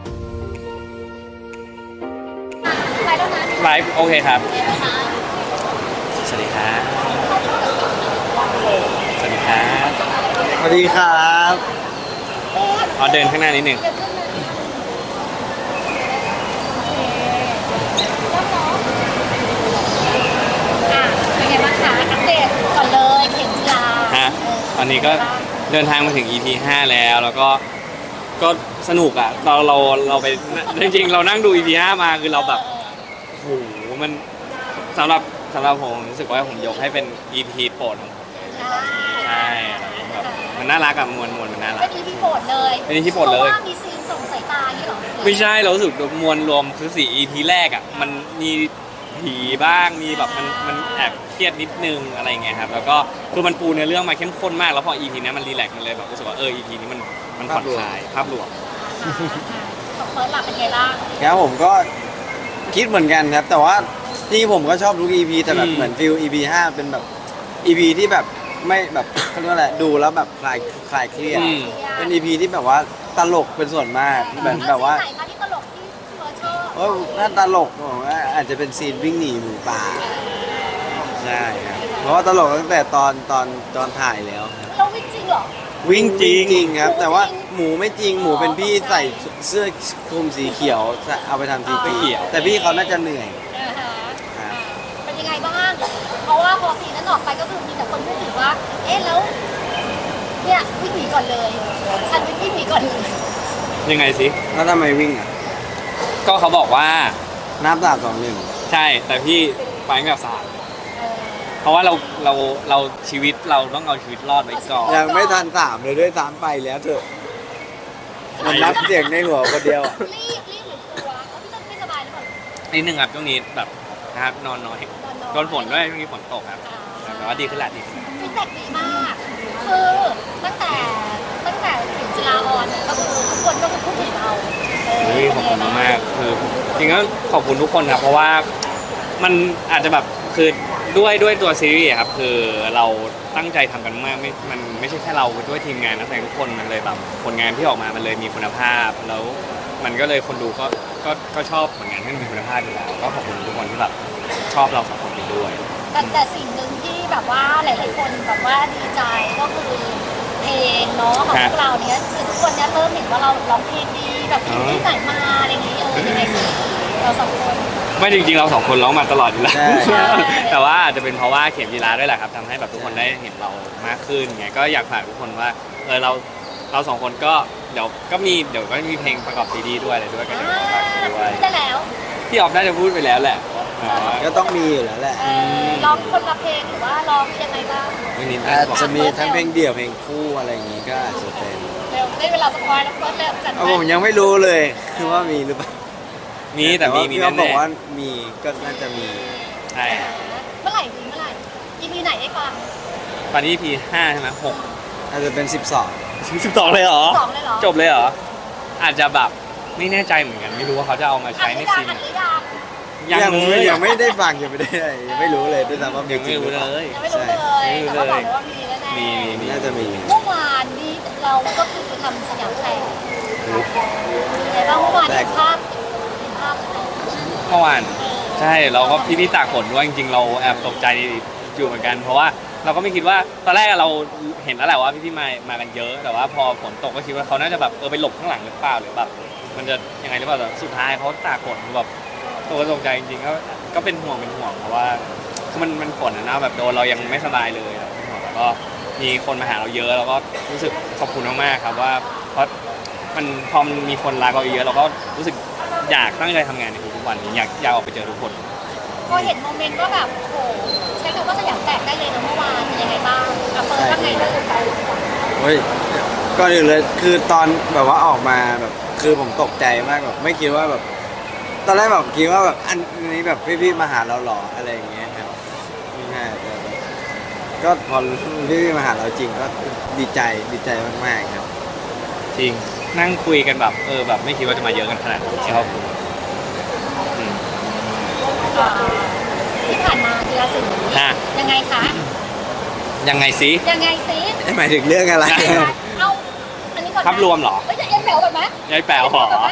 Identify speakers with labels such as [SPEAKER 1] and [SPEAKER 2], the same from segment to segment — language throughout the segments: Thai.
[SPEAKER 1] ไปแล้วนะ
[SPEAKER 2] ไลฟ์โอเคครับ
[SPEAKER 1] เดี๋ยวนะ
[SPEAKER 2] สวัสดีครับสวัสดีครับ
[SPEAKER 3] สวัสดีครับ
[SPEAKER 2] เอาเดินข้างหน้านิดหนึ่ง
[SPEAKER 1] เดี๋ยวขึ้นมาเป็นไงบ้างคะอัปเดตก่อนเลยเข็มจีรา
[SPEAKER 2] ฮะตอนนี้ก็เดินทางมาถึง EP 5 แล้วก็สนุกอ่ะเราไปจริงๆเรานั่งดู EP 5 มาคือเราแบบโอ้โหมันสำหรับผมรู้สึกว่าผมยกให้เป็น EP โปรดของผมใช่แบบมันน่ารักอะมวลมันน่ารั
[SPEAKER 1] เป็
[SPEAKER 2] ก
[SPEAKER 1] น EP โปรดเลย
[SPEAKER 2] เป็น EP โปรดเลย
[SPEAKER 1] พราะว่ามีซีนส่งสายตาอย่างนี้เหรอ
[SPEAKER 2] ไม่ใช่เรารู้สึกมวลรวมคือ4 EP แรกอ่ะมันมีผีบ้างมีแบบมันแอบเครียดนิดนึงอะไรเงี้ยครับแล้วก็คือมันปูเนื้อเรื่องมาเข้มข้นมากแล้วพอ EP นี้มันรีแลกซ์มันเลยแบบรู้สึกว่าEP นี้มันผ่อนคลายภาพรวม
[SPEAKER 1] ของเฟิร์สหลับเป็นไงบ้าง
[SPEAKER 3] ครับผมก็คิดเหมือนกันครับ แต่ว่าที่ผมก็ชอบทุก EP แต่แบบเหมือนฟิล EP 5 เป็นแบบ EP ที่แบบไม่แบบเขาเรียกว่าอะไรดูแล้วแบบคลายเครียดเป็น EP ที่แบบว่าตลกเป็นส่วนมากเหมือนแบบว่า
[SPEAKER 1] ซีนไหนคะที่ตลกที่เฟิร์สชอบ
[SPEAKER 3] โอ้น่าตลกผมว่าอาจจะเป็นซีนวิ่งหนีหมูป่าใช่ครับเพราะว่าตลกตั้งแต่ตอนถ่ายแล้วครับ
[SPEAKER 1] เราวิ่งจริงเหรอ
[SPEAKER 3] วิ่งจริงครับ แต่ว่าหมูไม่จริงหมูเป็นพี่ใส่เสื้อคลุมสีเขียวเอาไปทำที
[SPEAKER 2] ไม่เกี่ยว
[SPEAKER 3] แต่พี่เขาน่าจะเหนื่อย
[SPEAKER 1] อ่าฮะเป็นยังไงบ้าง เพราะว่าพอซีนนั้นออกไปก็คือมีแต่คนพูดถึงว่า เอ๊ะแล้วเนี่ยวิ่งหนีก่อนเลย ฉันวิ่งหนีก่อนเลย
[SPEAKER 2] ยังไงสิ
[SPEAKER 3] แล้วทำไมวิ่งอ่ะ
[SPEAKER 2] ก็เขาบอกว่า
[SPEAKER 3] นับ3 2 1
[SPEAKER 2] ใช่แต่พี่ไปกับสาร
[SPEAKER 1] เออ
[SPEAKER 2] เพราะว่าเราชีวิตเราต้องเอาชีวิตรอดไว้ก่อน
[SPEAKER 3] ยังไม่ทัน3เลยด้วยซ้ำไปแล้วเถอะมันนับเสียงในหัวคนเดียวอะ
[SPEAKER 1] รีบหรือกลัวเอาพี่ต้นไม่สบายหรือเปล่า
[SPEAKER 2] นิดนึงครับช่วงนี้แบบนะครับนอนน้อยโดนฝนด้วยช่วงนี้ฝนตกครับแต่ว่าดีขึ้นละดีขึ้น
[SPEAKER 1] ฟีดแบ็กดีมาก คือตั้งแต่ถึงจุฬาออนก็คือทุกคนก็คือพูดถึงเรา
[SPEAKER 2] ขอบคุณมากๆคือจริงๆก็ขอบคุณทุกคนครับเพราะว่ามันอาจจะแบบคือด้วยตัวซีรีส์อะครับคือเราตั้งใจทำกันมากมันไม่ใช่แค่เราด้วยทีมงานนักแสดงทุกคนมันเลยแบบผลงานที่ออกมามันเลยมีคุณภาพแล้วมันก็เลยคนดูก็ชอบผลงานที่มีคุณภาพอยู่แล้วก็ขอบคุณทุกคนที่แบบชอบเราสองคนนี้ด้วย
[SPEAKER 1] แต่สิ่งหนึ่งที่แบบว่าหลายๆคนแบบว่าดีใจก็คือเพลงเนาะของพวกเราเนี้ยคือทุกคนเนี้ยเริ่มเห็นว่าเราร้องเพลงดีแบบเพลงที่ไหนมาอะไรอย่างงี้ยังไงสิเราสองคน
[SPEAKER 2] ไม่จริงๆเราสองคนร้องมาตลอดอยู่แล้ว
[SPEAKER 3] ใช่
[SPEAKER 2] แต่ว่าอาจจะเป็นเพราะว่าเข็มจีราด้วยแหละครับทำให้แบบทุกคนได้เห็นเรามากขึ้นไงก็อยากฝากทุกคนว่าเราสองคนก็เดี๋ยวก็มีเพลงประกอบซีดีด้วยอะไรด้วยก็เดี๋ยวฝากด้วย
[SPEAKER 1] ได้แล้ว
[SPEAKER 2] พี่ออฟน่าจะพูดไปแล้วแหละ
[SPEAKER 3] ก็ต้องมีอยู่แล้วแหละ
[SPEAKER 1] ร้องคนละเพลงหรือว่าร้องยังไงบ้าง
[SPEAKER 2] วันนี้
[SPEAKER 3] อาจจะมีทั้งเพลงเดี่ยวเพลงคู่อะไรอย่างงี้ก็อาจจะเป็น
[SPEAKER 1] เร็วได้เวลาสปอยแล้วเฟิร์สเริ่มจัด
[SPEAKER 3] เอาผมยังไม่รู้เลยคือว่ามีหรือเปล่า
[SPEAKER 2] มีแต่มี
[SPEAKER 3] พี่
[SPEAKER 2] แน่
[SPEAKER 3] เขาบอกว่ามีก็น่าจะมี
[SPEAKER 2] ๆใช่
[SPEAKER 1] เมื่อไหร่ดีเมื่อไหร่ EP ไหนได้ฟัง
[SPEAKER 2] ตอนนี้ EP 5ใช่ไหม6
[SPEAKER 3] อาจจะเป็น
[SPEAKER 2] 12เลยเหรอ
[SPEAKER 1] สองเลยเหรอ
[SPEAKER 2] จบเลยเหรออาจจะแบบไม่แน่ใจเหมือนกันไม่รู้ว่าเขาจะเอามาใช้ในซีน
[SPEAKER 1] อัน
[SPEAKER 2] ไหน
[SPEAKER 1] หรือยัง
[SPEAKER 2] ยังเลย
[SPEAKER 3] ยังไม่ได้ฟังยังไม่ได้ยังไม่รู้เลยด้วยซ้ำว่ามี
[SPEAKER 2] ยัง
[SPEAKER 3] จริ
[SPEAKER 2] ไม่
[SPEAKER 3] งห
[SPEAKER 2] รู้
[SPEAKER 3] รือเป
[SPEAKER 2] เล
[SPEAKER 3] ล่าย
[SPEAKER 1] ยังไม่รู้เลยแต่ว่าบอกเลยว่ามีแน่ๆ
[SPEAKER 2] มี
[SPEAKER 3] น่าจะมี
[SPEAKER 1] เมื่อวานนี้เราก็คือทำสยามแตกแต่ว่าเมื่อวานเห็นภาพใช่ไหม
[SPEAKER 2] เมื่อวานใช่เราก็พี่ตากฝนด้วยจริงๆเราแอบตกใจอยู่เหมือนกัน เพราะว่าเราก็ไม่คิดว่าตอนแรกเราเห็นแล้วแหละว่าพี่มากันเยอะ แต่ว่าพอฝนตกก็คิดว่าเขาน่าจะแบบไปหลบข้างหลังหรือเปล่าหรือแบบมันจะยังไงหรือเปล่าแต่สุดท้ายเขาตากฝนแบบตกใจจริงๆก็เป็นห่วงเพราะว่าคือมันฝนนะแบบโดนเรายังไม่สบายเลยเป็นห่วงแล้วก็มีคนมาหาเราเยอะแล้วก็รู้สึกขอบคุณมากๆครับว่าเพราะมันพอมันมีคนรักเราเยอะเราก็รู้สึกอยากตั้งใจทำงานในทุกๆวันนี้อยากออกไปเจอทุกคน
[SPEAKER 1] พอเห็นโมเมนต์ว่าแบบโอ้โหใช้คำว่าสยามแตกได้เลยนะเมื่อวานเป็นยังไงบ้างอ่ะเฟิร์สว่าไงลูก
[SPEAKER 3] เฮ้ยก่อนอื่นเลยคือตอนแบบว่าออกมาแบบคือผมตกใจมากแบบไม่คิดว่าแบบตอนแรกแบบคิดว่าแบบอันนี้แบบพี่ๆมาหาเราหรออะไรอย่างเงี้ยครับไม่ใช่แต่แบบก็พอพี่ๆมาหาเราจริงก็ดีใจมากๆครับ
[SPEAKER 2] จริงนั่งคุยกันแบบแบบไม่คิดว่าจะมาเยอะกันขนาดนี้ชอบอืม
[SPEAKER 1] ที่ผ่านมาทีละสิ่ง
[SPEAKER 2] ฮะ
[SPEAKER 1] ยังไงคะ
[SPEAKER 2] ยังไงสิ
[SPEAKER 1] ยังไงซิ
[SPEAKER 3] หมายถึงเรื่องอะไร
[SPEAKER 1] เอาอันนี้ก่อนนะ
[SPEAKER 2] ภาพรวมเหรอ
[SPEAKER 1] เฮ้ยจะเอ็นแหววก่อนไหม
[SPEAKER 2] ยายแป๋วเหรอ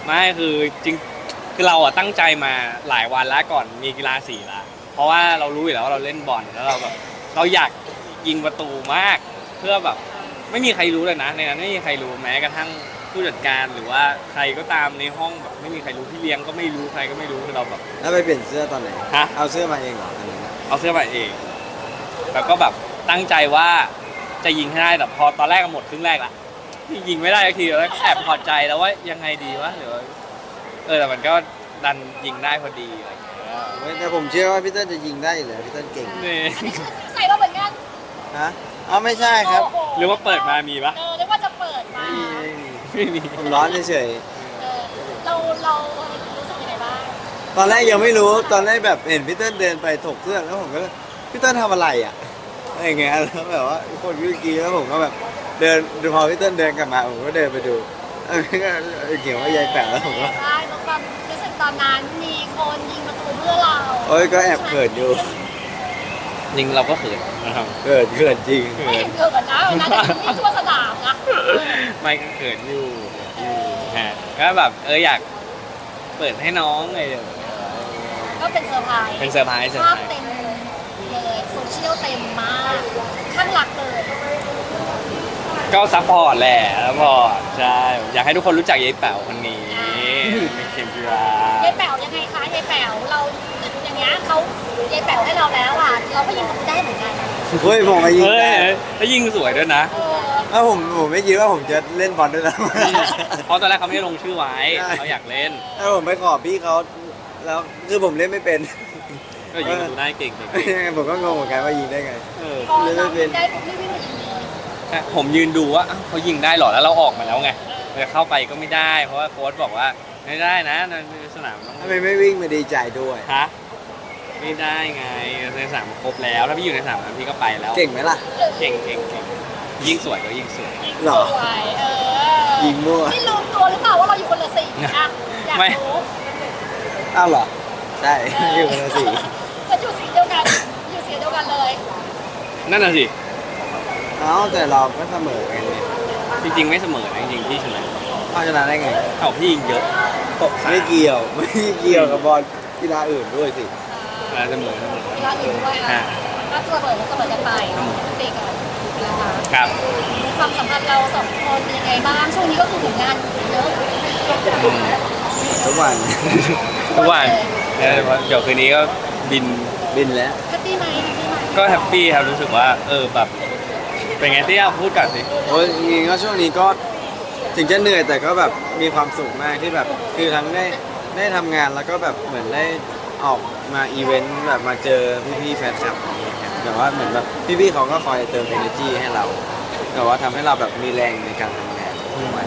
[SPEAKER 2] ไม่คือจริงคือเราอะตั้งใจมาหลายวันแล้วก่อนมีกีฬาสีละเพราะว่าเรารู้อยู่แล้วว่าเราเล่นบอลแล้วเราแบบเราอยากยิงประตูมาก เพื่อแบบไม่มีใครรู้เลยนะในนั้นไม่มีใครรู้แม้กระทั่งผู้จัดการหรือว่าใครก็ตามในห้องแบบไม่มีใครรู้พี่เลี้ยงก็ไม่รู้ใครก็ไม่รู้คือเราแบบ
[SPEAKER 3] แล้วไปเปลี่ยนเสื้อตอนไหน
[SPEAKER 2] ฮะ
[SPEAKER 3] เอาเสื้อมาเองเหรออันนี้นะ
[SPEAKER 2] เอาเสื้อมาเอง แล้วก็แบบตั้งใจว่าจะยิงให้ได้แต่พอตอนแรกก็หมดครึ่งแรกละยิงไม่ได้สักทีแล้วแอบพอใจแล้วว่ายังไงดีวะหรือว่าแต่มันก็ดันยิงได้พอดีอะไรอย่างเงี้ย
[SPEAKER 3] เฮ้ยแต่ผมเชื่อว่าพี่เต้นจะยิงได้อยู่แล้วพี่เต้นเก่ง
[SPEAKER 2] นี่
[SPEAKER 1] ใส่เราเหมือนกัน
[SPEAKER 3] ฮะอ๋อไม่ใช่ครับ
[SPEAKER 1] โโ
[SPEAKER 2] หรือว่าเปิดมามีปะ
[SPEAKER 1] เรียกว่าจะเปิดมา
[SPEAKER 2] ไม่มี
[SPEAKER 3] ผมร้อนเฉย
[SPEAKER 1] เรารู้สึกยังไงบ้าง
[SPEAKER 3] ๆตอนแรกยังไม่รู้ตอนแรกแบบเห็นพี่เต้นเดินไปถกเสื้อแล้วผมก็เลยพี่เต้นทำอะไรอ่ะอะไรอย่างเงี้ยแล้วแบบว่าคนวิ่งกีแล้วผมก็แบบเดินดูพอพี่เต้นเดินกลับมาผมก็เดินไปดูเขียนว่ายายแปะแล้วผมก็
[SPEAKER 1] ได้แล้วความรู้สึกตอนนั้นมีคนยิงประตูเพื่อเรา
[SPEAKER 3] โอ้ยก็แอบเขินอยู่
[SPEAKER 2] ยิงเราก็เขินนะครับ
[SPEAKER 3] เขินจริง
[SPEAKER 1] ไม่เห็นเกิดกันนะวันนั้นนี่ทั่วสนามนะ
[SPEAKER 2] ไม่ก็เขินอยู่ฮะก็แบบอยากเปิดให้น้องเลย
[SPEAKER 1] ก็เป็นเซอร์ไพรส์
[SPEAKER 2] เป็นเซอร์ไพรส์
[SPEAKER 1] ภาพเต็มเลยโซเชียลเต็มมากข้างหลักเลย
[SPEAKER 2] ก็ซัพพอร์ตแหละซัพพอร์ตใช่อยากให้ทุกคนรู้จักยายแป๋วคนนี้เป็นเข็มจีราย
[SPEAKER 1] ายแป๋วยังไงคะยายแป๋วเราอย่างเงี้ยเขายายแป๋วให้เราแล้วอ่ะเราก็ยิงประตูได้เหมือนกัน
[SPEAKER 3] เฮ้ยผมมายิงได้
[SPEAKER 2] แล้วยิงสวยด้วยนะ
[SPEAKER 3] ผมไม่คิดว่าผมจะเล่นบอลด้วยนะ
[SPEAKER 2] เพราะตอนแรกเขาไม่ได้ลงชื่อไว้เขาอยากเล่น
[SPEAKER 3] ถ้าผมไปขอพี่เขาแล้วคือผมเล่นไม่เป็น
[SPEAKER 2] ก็ยิงประตูได้เก่ง
[SPEAKER 3] ผมก็งงเหมือนกันว่ายิงได้ไง
[SPEAKER 1] พอเราได้ปุ๊บนี่วิ่งมายิงเลย
[SPEAKER 2] ผมยืนดูว่าเขายิงได้หรอแล้วเราออกมาแล้วไงจะเข้าไปก็ไม่ได้ เพราะว่าโค้ชบอกว่าไม่ได้นะในสนามต้อง
[SPEAKER 3] ทำไมไม่วิ่งมาดีใจด้วย
[SPEAKER 2] ฮะไม่ได้ไงในสนามครบแล้วถ้าพี่อยู่ในสนามนั้นพี่ก็ไปแล้ว
[SPEAKER 3] เก่งไหมล่ะ
[SPEAKER 2] เก่งยิงสวยก็ยิงสวย
[SPEAKER 3] หรอ
[SPEAKER 1] สวย
[SPEAKER 3] ยิงมั่ว
[SPEAKER 1] นี่ลืมตัวหรือเปล่าว่าเราอยู่คนละสีอ่ะอยาก
[SPEAKER 2] ไม่
[SPEAKER 1] รู้
[SPEAKER 3] อ้าวเหรอใช่อยู่คนละสี
[SPEAKER 1] ก็อยู่สีเดียวกันอยู่สีเดียวกันเลย
[SPEAKER 2] นั่นน่ะสิ
[SPEAKER 3] เอ้าแต่เราก็เสมอกันเนี่ย
[SPEAKER 2] จริงๆไม่เสมอนะจริงๆพี่ชนะ
[SPEAKER 3] เอาชนะได้ไง
[SPEAKER 2] เอาพี่ยิงเยอะตก
[SPEAKER 3] ไม่เกี่ยวไม่เกี่ยวกับบอลกีฬาอื่นด้วยสิ
[SPEAKER 2] เสมอ
[SPEAKER 1] เวลาอื่นด้วยอ่ะก็เสมอกันไปตีกันนะคะ
[SPEAKER 2] ครับ
[SPEAKER 1] ความสัมพันธ์เราสองคนเป็นยังไงบ้างช่วงนี้ก็คือผลงานเยอะ
[SPEAKER 3] ทุกวัน
[SPEAKER 2] ทุกวันเดี๋ยวคืนนี้ก็บิน
[SPEAKER 3] บินแล้ว
[SPEAKER 1] แฮปปี้ไหมแฮปปี้ไหม
[SPEAKER 2] ก็แฮปปี้ครับรู้สึกว่าแบบเป็นไงที่พูดกันสิ
[SPEAKER 3] โอ้ยจริงๆก็ช่วงนี้ก็ถึงจะเหนื่อยแต่ก็แบบมีความสุขมากที่แบบคือทั้งได้ทำงานแล้วก็แบบเหมือนได้ออกมาอีเวนต์แบบมาเจอพี่ๆแฟนคลับอย่างเงี้ยครับแบบว่าเหมือนแบบพี่ๆเขาก็คอยเติม energy ให้เราแบบว่าทำให้เราแบบมีแรงในการทำงานทุกวัน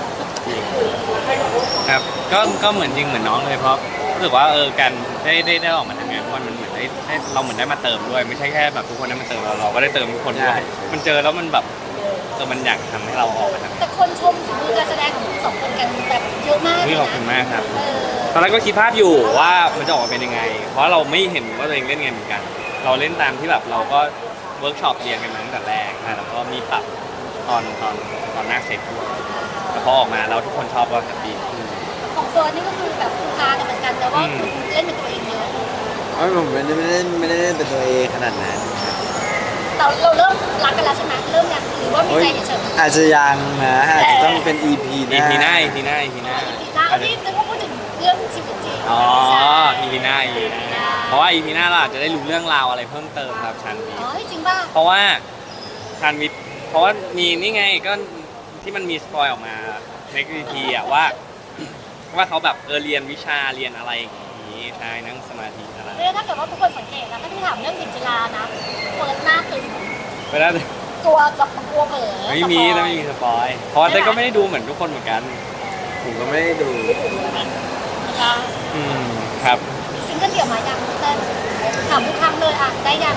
[SPEAKER 2] ครับก็เหมือนจริงเหมือนน้องเลยเพราะรู้สึกว่าการได้ออกมาทำงานทุกวันมันเหมือนได้เราเหมือนได้มาเติมด้วยไม่ใช่แค่แบบทุกคนได้มาเติมเราก็ได้เติมทุกคนด้วยมันเจอแล้วมันแบบมันอยากทำให้เราออกมาทำ
[SPEAKER 1] แต่คนชมฝีมือการแสดงของทั้งสองคนกันแบบเยอะมากเลย
[SPEAKER 2] ขอบคุณ
[SPEAKER 1] นะ
[SPEAKER 2] มากครับ
[SPEAKER 1] เออ
[SPEAKER 2] ตอนแรกก็คิดภาพอยู่ว่ามันจะออกมาเป็นยังไง เพราะเราไม่เห็นว่าตัวเองเล่นไงเหมือนกัน เราเล่นตามที่แบบเราก็เวิร์กช็อปเรียนกันมาตั้งแต่แรกนะแล้วก็มีปรับตอนหน้าเสร็จด้วยแต่พอออกมาแล้วทุกคนชอบก็แฮปปี้
[SPEAKER 1] ของเฟิร์นนี่ก็คือแบบคูคากันเหมือนกันแต่ว่าคุณเล่นเป็นตัวเองเยอะ
[SPEAKER 3] เอ้ยผมไม่ได้เล่นเป็นตัวเองขนาดนั้น
[SPEAKER 1] แต่เราเริ่มรักกันแล้วใช่ไหมเริ่มยังหรือว่ามี
[SPEAKER 3] โอ้ย
[SPEAKER 1] ใจเฉยๆ
[SPEAKER 3] อาจจะยังนะอาจจะต้องเป็น EP หน้า
[SPEAKER 2] EP หน้า
[SPEAKER 1] แล้วที่นึกว่าพูดถึงเรื่องชีวิตจริง
[SPEAKER 2] อ๋อ EP หน้า เพราะว่า EP หน้าเราอาจจะได้รู้เรื่องราวอะไรเพิ่มเติมครับชันวี
[SPEAKER 1] อ๋อจริงป่ะ
[SPEAKER 2] เพราะว่าชันวีเพราะว่ามีนี่ไงก็ที่มันมีสปอยออกมาใน EP อะว่าเขาแบบเรียนวิชาเรียนอะไรอย่างงี้ใช่นั่งสมาธิอะไร
[SPEAKER 1] เนี่ยถ้าเกิดว่าทุกคนสังเกตนะถ้าที่ถามเรื่องเข็มจีรานะเฟิร์นหน้าตึง
[SPEAKER 2] ไปแล้ว
[SPEAKER 1] ตัวจะกลัวเผลอ
[SPEAKER 2] ไม่มีแล้วไม่มีสปอยเพราะว่าเต้นก็ไม่ได้ดูเหมือนทุกคนเหมือนกัน
[SPEAKER 3] ผมก็ไม่ได้ดู
[SPEAKER 1] นะคะ
[SPEAKER 2] ครับ
[SPEAKER 1] ซิงเกิลเดี่ยวมายังเต้นถามทุกครั้งเลยอ่ะได้ยัง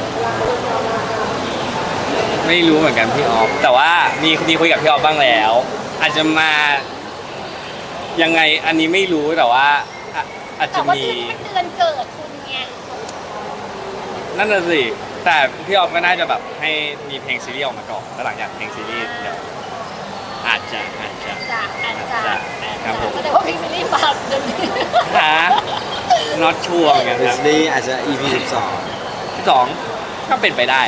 [SPEAKER 2] ไม่รู้เหมือนกันพี่ออฟแต่ว่ามีคุยกับพี่ออฟบ้างแล้ว อาจจะมายังไงอันนี้ไม่รู้แต่ว่าอาจ
[SPEAKER 1] แต่
[SPEAKER 2] จะ
[SPEAKER 1] ว่า
[SPEAKER 2] มี
[SPEAKER 1] เดือนเกิดคุณไง
[SPEAKER 2] นั่นน่ะสิแต่พี่ออฟก็น่าจะแบบให้มีเพลงซีรีส์ออกมาก่อนแล้วหลังจากเพลงซีรีส์เดี๋ยวอาจจะ
[SPEAKER 1] จะ
[SPEAKER 2] ครับผม
[SPEAKER 1] แสดงว่าเพลงซีรีส์ปากเดี๋ยวนี้
[SPEAKER 2] หา not sure เหมือนกัน
[SPEAKER 3] ดิ
[SPEAKER 2] ครั
[SPEAKER 3] ส
[SPEAKER 2] บ
[SPEAKER 3] นีย์อาจจะ EP
[SPEAKER 2] 2ก็เป็นไปได้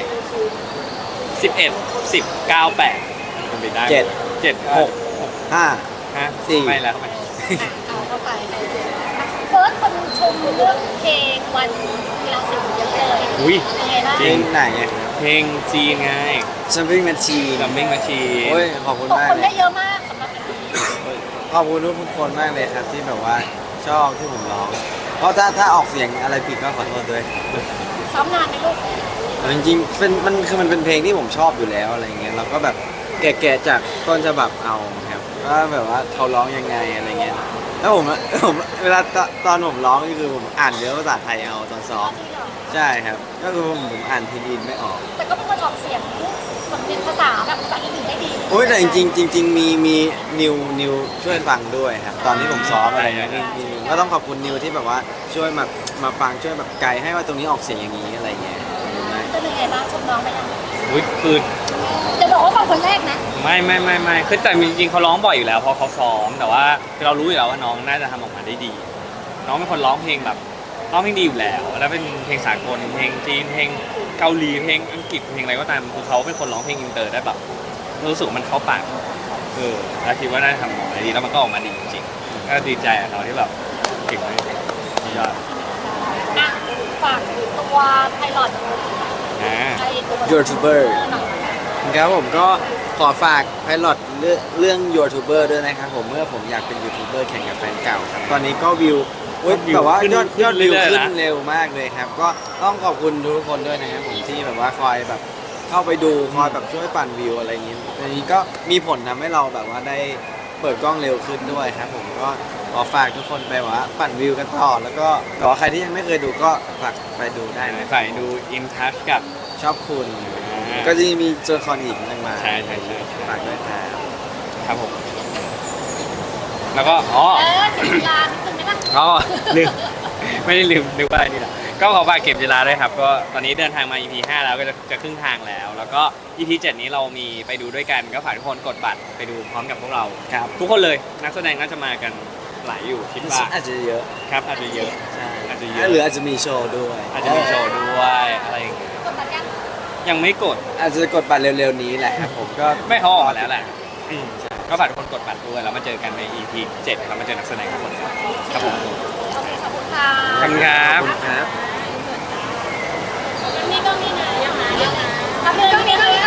[SPEAKER 2] 11 10 9 8เป็นไปได้
[SPEAKER 3] เจ็ด
[SPEAKER 2] 7 6
[SPEAKER 3] 12 5
[SPEAKER 2] ฮะ
[SPEAKER 3] สี่
[SPEAKER 2] ไม่แล้วไม่
[SPEAKER 1] เอาเข้าไปเฟิร์สคนชมเรื่องเพลงวันกีฬาสีเยอะเลย
[SPEAKER 2] อุ้ย
[SPEAKER 1] เป็นไงบ้าง
[SPEAKER 3] เพลงไหนอะ
[SPEAKER 2] เพลงจีนไง
[SPEAKER 3] Jumping Machine
[SPEAKER 2] กัมมิ่งมาชี
[SPEAKER 3] โอ้ยขอบคุณ
[SPEAKER 1] ตก
[SPEAKER 3] มาก
[SPEAKER 1] คน
[SPEAKER 3] เล
[SPEAKER 1] ได้
[SPEAKER 3] ย
[SPEAKER 1] เยอะมากสำหรับอันนี้
[SPEAKER 3] ขอบคุณทุกคนมากเลยครับที่แบบว่าชอบที่ผมร้อง เพราะถ้าออกเสียงอะไรผิดก็ขอโทษด้วย
[SPEAKER 1] ซ้อมนานไหมลูก
[SPEAKER 3] จริงๆมันเป็นเพลงที่ผมชอบอยู่แล้วอะไรเงี้ยเราก็แบบแกะจากต้นฉบับเอาครับว่าแบบว่าเขาร้องยังไงอะไรเงี้ยแล้วผมเวลาตอนผมร้องนี่คือผมอ่านเนื้อภาษาไทยเอาตอนซ้อม
[SPEAKER 1] จริงเหรอ
[SPEAKER 3] ใช่ครับก็คือผมอ่านพินอินไม่ออก
[SPEAKER 1] แต่ก็เป็นคนออกเสียงสำเนียงภาษาแบบภาษาอื่นได้ดี
[SPEAKER 3] โอ้ยแต่จริงๆมีนิวช่วยฟังด้วยครับตอนที่ผมซ้อมอะไรเงี้ยมีก็ต้องขอบคุณนิวที่แบบว่าช่วยมาฟังช่วยแบบไกด์ให้ว่าตรงนี้ออกเสียงอย่างนี้อะไรเงี้ย
[SPEAKER 1] เป็นยังไงบ้างชมน้องไปยัง
[SPEAKER 2] อุ้ยคือ
[SPEAKER 1] จะบอกว่าฟังคนแรกนะ
[SPEAKER 2] ไม่คือแต่จริงๆเขาร้องบ่อยอยู่แล้วเพราะเขาซ้อมแต่ว่าคือเรารู้อยู่แล้วว่าน้องน่าจะทำออกมาได้ดี น้องเป็นคนร้องเพลงแบบร้องเพลงดีอยู่แล้วแล้วเป็นเพลงสากลเพลงจีนเพลงเกาหลีเพลงอังกฤษเพลงอะไรก็ตามคือเขาเป็นคนร้องเพลงอินเตอร์ได้แบบรู้สึกว่ามันเข้าปากแล้วคิดว่าน่าจะทำออกมาได้ดีแล้วมันก็ออกมาดีจริงๆก็ดีใจกับเขาที่แบบเก่งมากยอด
[SPEAKER 1] อ่ะฝากตัวไพลอต
[SPEAKER 2] อ่า
[SPEAKER 1] ไอตัว
[SPEAKER 3] YouTuber
[SPEAKER 1] หน่อย
[SPEAKER 3] ครับผมก็ขอฝากไพลอตเรื่อง YouTuber ด้วยนะครับผมเมื่อผมอยากเป็นยูทูบเบอร์แข่งกับแฟนเก่าครับตอนนี้ก็วิวแบบว่ายอดวิวขึ้นเร็วมากเลยครับก็ต้องขอบคุณทุกคนด้วยนะครับผมที่แบบว่าคอยแบบเข้าไปดูคอยแบบช่วยปั่นวิวอะไรอย่างนี้อันนี้ก็มีผลทำให้เราแบบว่าได้เปิดกล้องเร็วขึ้นด้วยครับผมก็ขอฝากทุกคนไปว่าปั่นวิวกันต่อแล้วก็แต่ว่าใครที่ยังไม่เคยดูก็ฝากไปดูได้นะ
[SPEAKER 2] ใส่ดูอินทัชกับ
[SPEAKER 3] ชอบคุณ ก็จะมีตัวละครอีกมากมาย
[SPEAKER 2] ใช่
[SPEAKER 3] ฝากด้วยครับ
[SPEAKER 2] ครับผมแล้วก็
[SPEAKER 1] เก็บเวลานิดนึงได้ปะ
[SPEAKER 2] อ๋อลืมไม่ได้ลืมนึกว่าอะไรนี่แหละก็ขอฝากเก็บเวลาด้วยครับก็ตอนนี้เดินทางมา EP 5 แล้วก็จะครึ่งทางแล้ว แล้วก็ EP 7 นี้เรามีไปดูด้วยกันก็ฝากทุกคนกดบัตรไปดูพร้อมกับพวกเรา
[SPEAKER 3] ครับ
[SPEAKER 2] ทุกคนเลยนักแสดงน่าจะมากันหลายอยู่คิดว่า
[SPEAKER 3] อาจจะเยอะ
[SPEAKER 2] ครับอาจจะเยอะ
[SPEAKER 3] ใช่
[SPEAKER 2] อาจจะเยอะ
[SPEAKER 3] หรืออาจจะมีโชว์ด้วย
[SPEAKER 2] อาจจะมีโชว์ด้วยอะไรอย่างเงี้ย
[SPEAKER 1] กดบัตรยัง
[SPEAKER 2] ยังไม่กด
[SPEAKER 3] อาจจะกดบัตรเร็วๆนี้แหละครับผมก็
[SPEAKER 2] ไม่เขาออกมาแล้วแหละก็ฝากทุกคนกดบัตรด้วยแล้วมาเจอกันใน EP 7แล้วมาเจอนักแสดงทุกคนครับผม
[SPEAKER 1] โอเคขอบคุณค่ะ
[SPEAKER 2] ขอบคุณครับ
[SPEAKER 3] ครับ
[SPEAKER 1] นี่ก็มีนะยังไงทำเรื่องนี้ก็มี